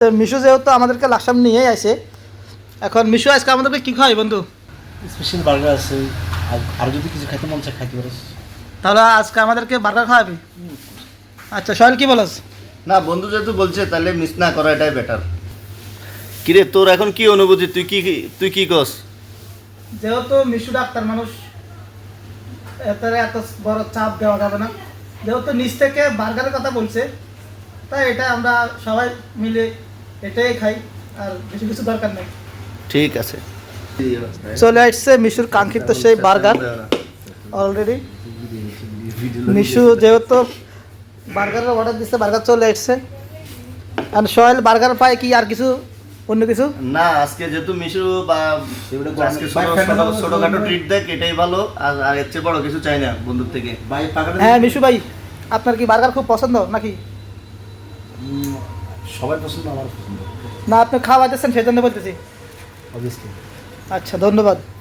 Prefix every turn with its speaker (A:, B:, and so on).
A: তো মিশু যেহেতু আমাদেরকে লাকসাম নিয়েই আসে, এখন মিশু আজকে আমাদেরকে কী খাওয়াই বন্ধু?
B: স্পেশাল বার্গার আছে, আর যদি কিছু খাইতে মন চায় খাইতে পারিস।
A: তাহলে আজকে আমাদেরকে বার্গার খাওয়াবি? আচ্ছা সোহেল কি বলস?
C: না বন্ধু যেহেতু বলছে তাহলে মিস না করা এটাই বেটার। কিরে তোর এখন কি অনুভূতি, তুই কি কস?
A: যেহেতু মিশু ডাক্তার মানুষ, এত বড় চাপ দেওয়া যাবে না। যেহেতু নিচ থেকে বার্গারের কথা বলছে, তাই এটা আমরা সবাই মিলে এটাই খাই, আর বেশি কিছু দরকার নেই।
C: ঠিক আছে,
A: চলে আসছে মিশুর কাঙ্ক্ষিত সেই বার্গার অলরেডি। মিশু যেহেতু বার্গারের অর্ডার দিচ্ছে, বার্গার চলে আসছে। আর সোহেল বার্গার পায় কি আর কিছু অন্য কিছু
C: না আজকে যেহেতু মিশু বা আজকে ছোটখাটো ট্রিট দেখ এটাই ভালো, আর এর চেয়ে বড় কিছু চাই না বন্ধুর থেকে।
A: হ্যাঁ মিশু ভাই, আপনার কি বার্গার খুব পছন্দ নাকি?
B: সবার পছন্দ, আমার পছন্দ
A: না আপনি খাওয়াইতেছেন সেই জন্য বলতেছি।
B: অবভিয়াসলি।
A: আচ্ছা ধন্যবাদ।